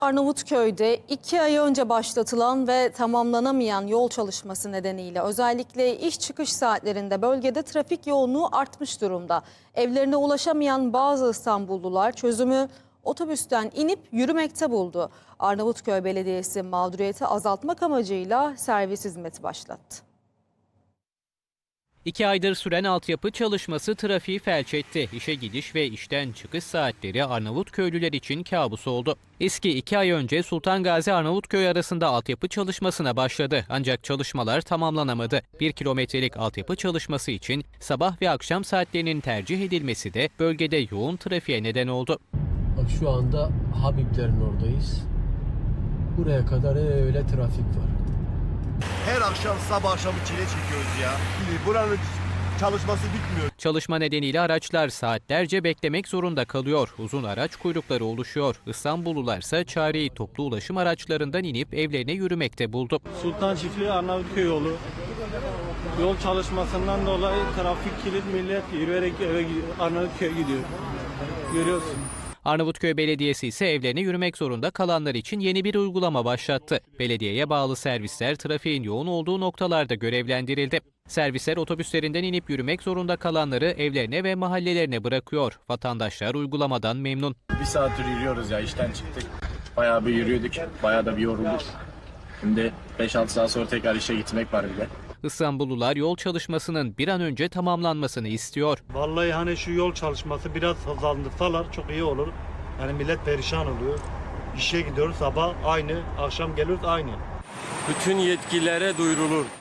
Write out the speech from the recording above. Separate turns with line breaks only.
Arnavutköy'de 2 ay önce başlatılan ve tamamlanamayan yol çalışması nedeniyle özellikle iş çıkış saatlerinde bölgede trafik yoğunluğu artmış durumda. Evlerine ulaşamayan bazı İstanbullular çözümü otobüsten inip yürümekte buldu. Arnavutköy Belediyesi mağduriyeti azaltmak amacıyla servis hizmeti başlattı.
2 aydır süren altyapı çalışması trafiği felç etti. İşe gidiş ve işten çıkış saatleri Arnavutköylüler için kabus oldu. Eski 2 ay önce Sultan Gazi Arnavutköy arasında altyapı çalışmasına başladı. Ancak çalışmalar tamamlanamadı. 1 kilometrelik altyapı çalışması için sabah ve akşam saatlerinin tercih edilmesi de bölgede yoğun trafiğe neden oldu.
Bak şu anda Habiblerin oradayız. Buraya kadar öyle trafik var.
Her akşam sabah akşam çile çekiyoruz ya. Buranın çalışması bitmiyor.
Çalışma nedeniyle araçlar saatlerce beklemek zorunda kalıyor. Uzun araç kuyrukları oluşuyor. İstanbullularsa çareyi toplu ulaşım araçlarından inip evlerine yürümekte buldu.
Sultan Çiftliği Arnavutköy yolu. Yol çalışmasından dolayı trafik kilit, millet yürüyerek eve Arnavutköy'e gidiyor. Görüyorsun.
Arnavutköy Belediyesi ise evlerine yürümek zorunda kalanlar için yeni bir uygulama başlattı. Belediyeye bağlı servisler trafiğin yoğun olduğu noktalarda görevlendirildi. Servisler otobüslerinden inip yürümek zorunda kalanları evlerine ve mahallelerine bırakıyor. Vatandaşlar uygulamadan memnun.
Bir saattir yürüyoruz ya, işten çıktık. Bayağı bir yürüyorduk, bayağı da bir yorulduk. Şimdi 5-6 saat sonra tekrar işe gitmek var bir de.
İstanbullular yol çalışmasının bir an önce tamamlanmasını istiyor.
Vallahi hani şu yol çalışması biraz hızlandırsalar çok iyi olur. Yani millet perişan oluyor. İşe gidiyoruz sabah aynı, akşam geliyoruz aynı.
Bütün yetkililere duyurulur.